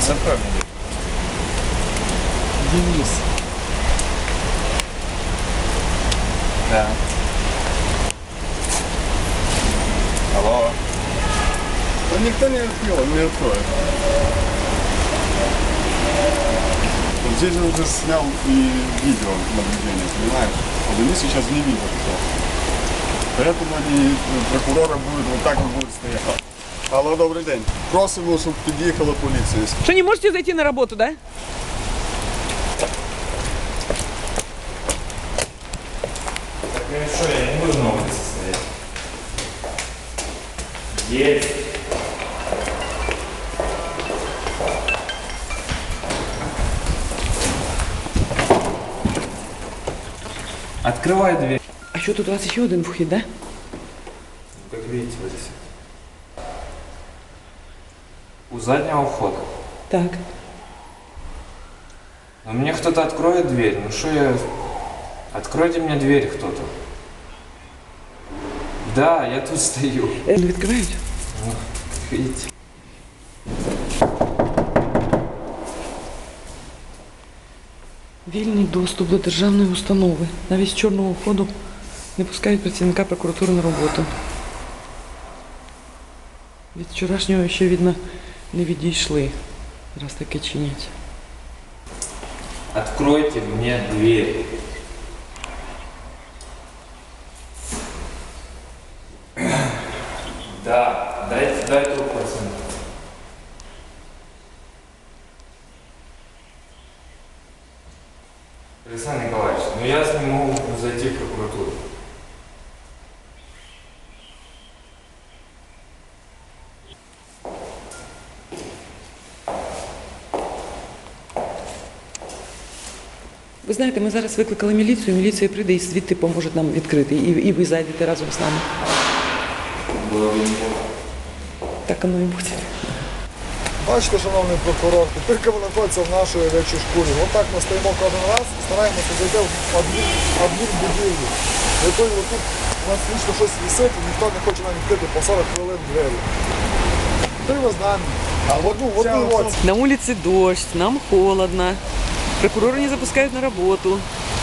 Денис, открой мне дверь. Денис. Да. Алло. Да никто не открыл, он не откроет. Вот здесь я уже снял и видео наблюдение, понимаешь? А Денис сейчас не видит что. Поэтому они, прокурора будет вот так вот будет стоять. Алло, добрий день. Просимо, щоб під'їхала поліція. Что, не можете зайти на работу, да? Так хорошо, я не буду на улице стоять. Есть. Открывай дверь. А что, тут у вас еще один вход, да? Как видите, вот здесь. У заднего входа. Так. Но мне кто-то откроет дверь. Ну что я... Откройте мне дверь кто-то. Да, я тут стою. Не відкривають? Ну, видите. Вільний доступ до державної установи. Навіть з чорного входу не пускають працівника прокуратури на роботу. Від вчорашнього ще, видно, не відійшли, раз таке чинять. Откройте мне дверь. Да, дай трубку пацан. Александр Николаевич, ну я не могу зайти в прокуратуру. Ви знаєте, ми зараз викликали міліцію, міліція прийде і звідти поможе нам відкрити. І ви зайдете разом з нами. Было бы неплохо. Так воно і буде. Бачите, шановний прокурор, тепер ви знаходиться в нашій речі шкурі. Отак ми стоїмо кожен раз і стараємося зайти в адмінбудівлю, в якої тут у нас лічно щось висить і ніхто не хоче нам відкрити по 40 хвилин двері. Тепер ви з нами. А в одну оці. На улице дождь, нам холодно. Прокурора не запускают на работу.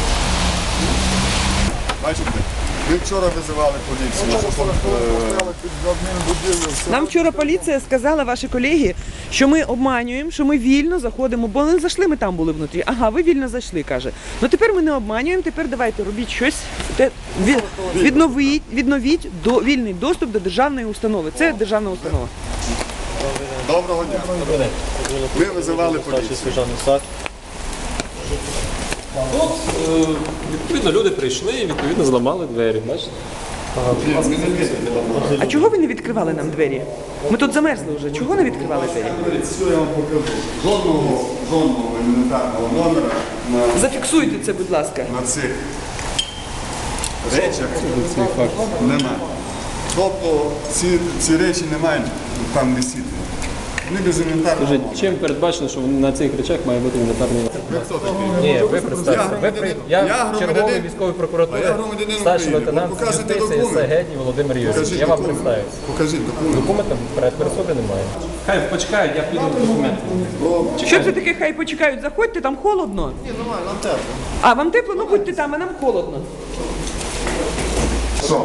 Бачите? Ви вчора визивали поліцію. Ми 40 хвилин постояли під адмінбудівлю. Нам вчора поліція сказала, ваші колеги, що ми обманюємо, що ми вільно заходимо, бо не зайшли, ми там були внутрі. Ага, ви вільно зайшли, каже. Ну тепер ми не обманюємо, тепер давайте робіть щось, відновіть вільний доступ до державної установи. Це державна установа. Доброго дня. Ви визивали поліцію. Тут, відповідно, люди прийшли і, відповідно, зламали двері, бачите? А чого ви не відкривали нам двері? Ми тут замерзли вже. Чого не відкривали двері? Все я вам покажу. Жодного елементарного номера Зафіксуйте це, будь ласка. на цих речах немає. Тобто ці речі не мають там висіти. Вони без інвентарного Скажіть, номера. чим передбачено, що на цих речах має бути інвентарний номер? Ви хто такий? Ні, ви представте. Я черговий громадянин. військової А прокуратури, я громадянин старший України. лейтенант Ви покажете юстиції документ? Сагедній Володимир Юрійович. Покажіть Я вам документ. представився. Покажіть документ. Документів перед собі немає. Хай почекають, я піду документи. Що це таке, хай почекають, заходьте, там холодно. Ні, нормально, нам тепло. А, вам тепло? Ну будьте там, а нам холодно. Що?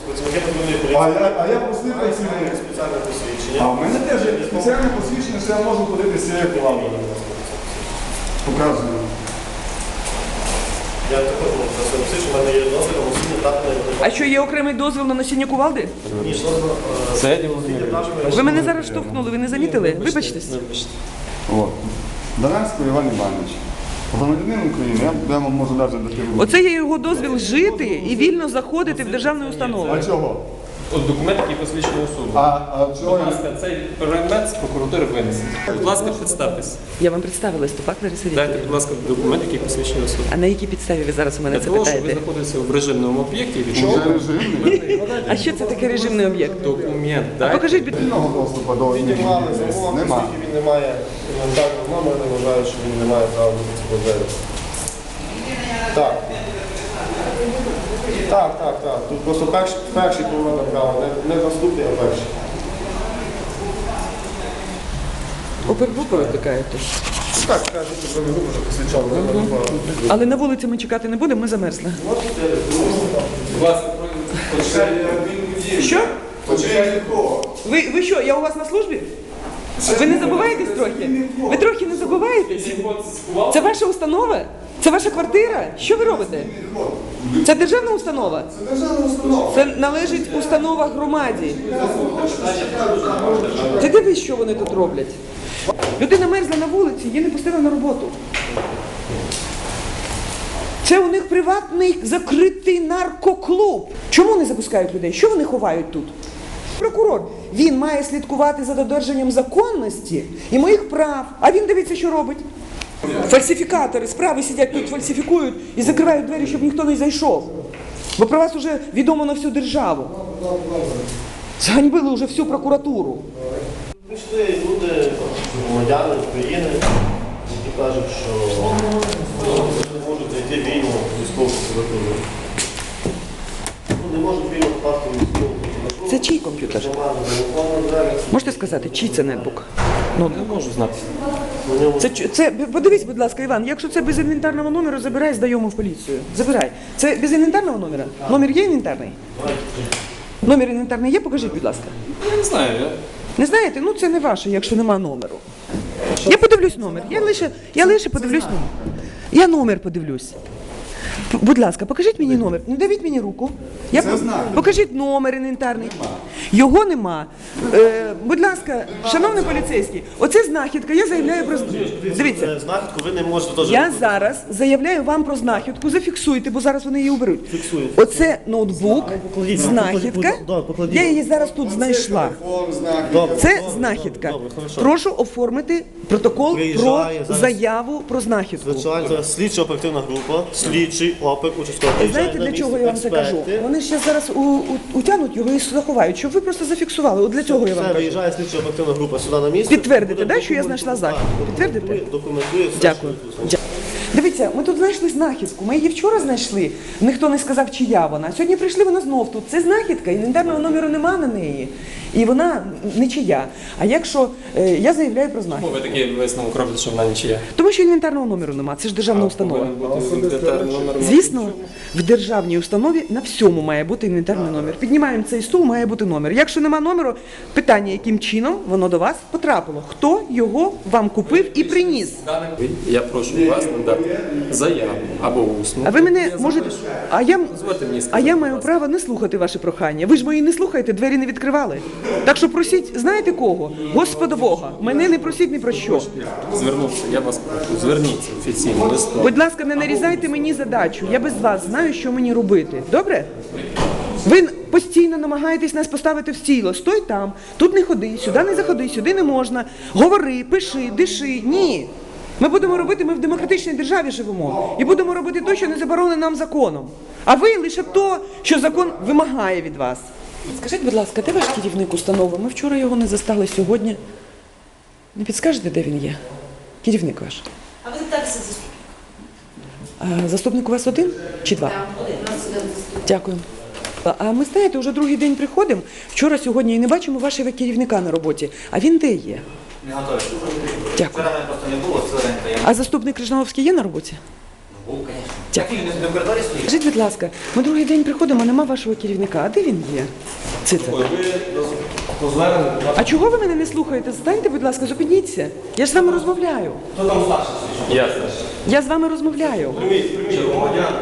А я простий працівник. А в мене теж є спеціальне посвідчення, що я можу ходити з цією плавою. Показую. Я також можу сказати, що в мене є дозвіл на носіння датної А що, є окремий дозвіл на носіння кувалди? Сагедній Володимир Юрійович. Ви мене зараз штовхнули, ви не замітили? Вибачтесь. От. Даранський Іван Іванович. Громадянин України, я вам можу навіть дати руку. Оце є його дозвіл жити і вільно заходити в державну установу. А чого? От документ, який посвідчує особу. А чого Будь я... ласка, цей предмет з прокуратури винесіть. Будь ласка, представтесь. Я вам представила Степак Лариса Дайте, Вікторівна. будь ласка, документ, який посвідчує особу. А на якій підставі ви зараз у мене Для це того, щоб ви питаєте? знаходитеся в режимному об'єкті, від Вже режимний? А що це таке режимний об'єкт? документ дайте. Покажіть, будь Вільного доступу до Піднімали замок, Нема. оскільки він не має інвентарного номера, не вважаю, що він не має права бути цього двері. Так. Так. Тут просто перший поворот направо, не наступний, а перший. Опергрупа викликаєте? Так, кажуть, що ми групу вже посвячали. Але на вулиці ми чекати не будемо, ми замерзли. Що? Ви що, я у вас на службі? Ви не забуваєтесь трохи? Ви трохи не забуваєтесь? Це ваша установа? Це ваша квартира? Що ви робите? Це державна установа? Це державна установа. Це належить установа громаді. Ти дивись, що вони тут роблять. Людина мерзла на вулиці, її не пустили на роботу. Це у них приватний закритий наркоклуб. Чому не запускають людей? Що вони ховають тут? Прокурор, він має слідкувати за додержанням законності і моїх прав. А він дивіться, що робить. Фальсифікатори справи сидять тут, фальсифікують і закривають двері, щоб ніхто не зайшов. Бо про вас вже відомо на всю державу. Зганьбили вже всю прокуратуру. Прийшли люди, громадяни України, які кажуть, що не можуть зайти вільно в військову прокуратуру. Не можуть вільно впасти в військову прокуратуру. Це чий комп'ютер? Можете сказати, чий це нетбук? Ну, Не можу знати. це, подивись, будь ласка, Іван, якщо це без інвентарного номеру, забирай, здаємо в поліцію. Забирай. Це без інвентарного номера? Номер є інвентарний? Номер інвентарний є? Покажіть, будь ласка. Я не знаю, Не знаєте? Ну це не ваше, якщо нема номеру. Я подивлюсь номер. Я лише подивлюсь номер. Я номер подивлюсь. Будь ласка, покажіть мені номер. Не давіть мені руку. Покажіть номер інвентарний. Його нема. Будь ласка, шановний поліцейський, оце знахідка. Я заявляю про дивіться. Знахідку ви не можете теж. Я зараз заявляю вам про знахідку. Зафіксуйте, бо зараз вони її уберуть. Оце ноутбук, знахідка. Я її зараз тут знайшла. Це знахідка. Прошу оформити протокол про заяву про знахідку. Звичайно, зараз слідча оперативна група, слідчий опер, участковий. Знаєте, для чого я вам це кажу? Вони ще зараз утягнуть його і заховають, щоб ви просто зафіксували. От для цього я вам Все, кажу. виїжджає слідча оперативна група сюди на місце. Підтвердите, да, що я знайшла знахідку? Підтвердите? Документує все. Дякую. Дивіться, ми тут знайшли знахідку. Ми її вчора знайшли. Ніхто не сказав, чия вона. Сьогодні прийшли, вона знов тут. Це знахідка, інвентарного номеру нема на неї. І вона не чия. А якщо я заявляю про знахідку? ви такий висновок робите, що вона нічия. Тому що інвентарного номеру нема. Це ж державна установа. Номер. Звісно, в державній установі на всьому має бути інвентарний номер. Піднімаємо цей стул, має бути номер. Якщо нема номеру, питання, яким чином воно до вас потрапило. Хто його вам купив і приніс? Я прошу вас надати заяву або усну. А ви мене можете. Дозвольте мені А сказати, я будь маю ласка. право не слухати ваші прохання. Ви ж мої не слухаєте, двері не відкривали. Так що просіть, знаєте кого? Господа Бога. Мене не просіть ні про що. Звернувся, я вас прошу, зверніться офіційно листом. Будь ласка, не нарізайте мені задачу. Я без вас знаю, що мені робити. Добре? Ви постійно намагаєтесь нас поставити в стіло. Стой там, тут не ходи, сюди не заходи, сюди не можна. Говори, пиши, диши. Ні. Ми будемо робити, ми в демократичній державі живемо. І будемо робити те, що не заборонено нам законом. А ви лише то, що закон вимагає від вас. Скажіть, будь ласка, де ваш керівник установи? Ми вчора його не застали сьогодні. Не підскажете, де він є? Керівник ваш. А ви так заступник? Заступник у вас один чи два? Один, у нас один заступник. Дякую. А ми, знаєте, вже другий день приходимо, вчора, сьогодні і не бачимо вашого керівника на роботі. А він де є? Не готові. Дякую. Вчора мене просто не було, це ринка. Я А заступник Крижановський є на роботі? був, звісно. Дякую. Так, він не в коридорі стоїть. Скажіть, будь ласка, ми другий день приходимо, а нема вашого керівника. А де він є? Циця. А чого ви мене не слухаєте? Станьте, будь ласка, зупиніться. Я ж з вами розмовляю. Хто там старший? Ясно. Я з вами розмовляю. Прийміть громадян,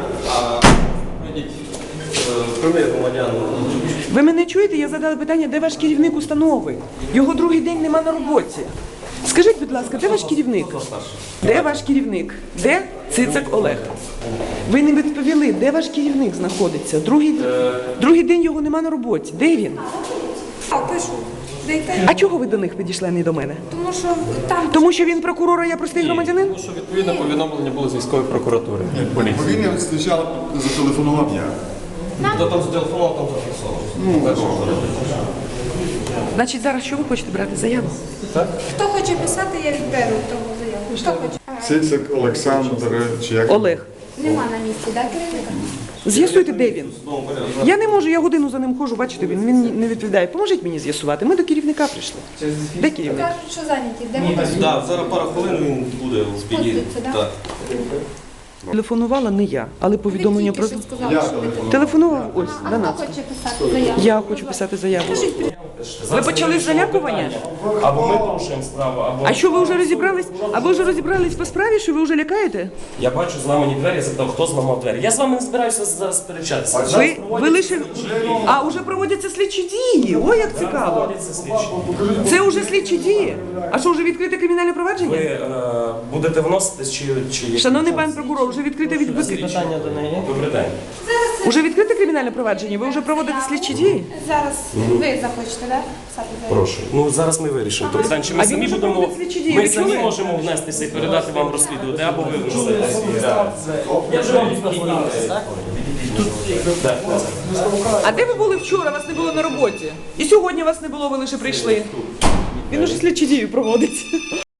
прийміть громадян. Ви мене чуєте? Я задала питання, де ваш керівник установи? Його другий день нема на роботі. Скажіть, будь ласка, де ваш керівник? Де ваш керівник? Де Цицак Олег? Ви не відповіли, де ваш керівник знаходиться? Другий день його нема на роботі. Де він? А пишу. Дайте. А чого ви до них підійшли, а не до мене? Тому що там Тому що він прокурор, а я простий громадянин? Тому що відповідно повідомлення було з військової прокуратури. Поліції. Бо він спочатку зателефонував я. Хто там зателефонував, там зафіксував. Значить, зараз що ви хочете брати? Заяву? хто хоче писати, я відберу того заяву. Хто хоче? Цицик Олександр, чи як? Олег. Нема на місці, так, керівника? З'ясуйте, де він. Я не можу, я годину за ним ходжу, бачите, він не відповідає. Поможіть мені з'ясувати. Ми до керівника прийшли. Де керівник? Кажуть, що зайняті. Де вони? Так, зараз пару хвилин він буде підійде. Спуститься, да? Так. Телефонувала не я, але повідомлення про... Ви тільки що сказали, що ви телефонуєте. Телефонував ось, А до хто нас. хоче писати заяву? Я хочу писати заяву. Ви почали з залякування? Або ми порушуємо справу, або... А що, ви вже розібрались? А ви вже розібрались по справі, що ви вже лякаєте? Я бачу зламані двері, я запитав, хто зламав двері. Я з вами не збираюся зараз сперечатися. Ви лише... А, вже проводяться слідчі дії. Ой, як цікаво. Проводяться слідчі. Це вже слідчі дії. А що, вже відкрите кримінальне Ви провадження? будете вноситись чи... Шановний пан прокурор, вже відкрите Питання до неї. Добрий день. Уже відкрите кримінальне провадження? Ви вже проводите слідчі дії? Зараз ви захочете, да? Писати заяву? Прошу. Ну зараз ми вирішимо. Тобто, питання, чи ми А він самі вже будемо... проводить слідчі дії, Ми ви самі чули? можемо внестися і передати вам розслідувати, або ви вносите. Я вже вам відповідаю. А де ви були вчора? Вас не було на роботі. І сьогодні вас не було, ви лише прийшли. Він уже слідчі дії проводить.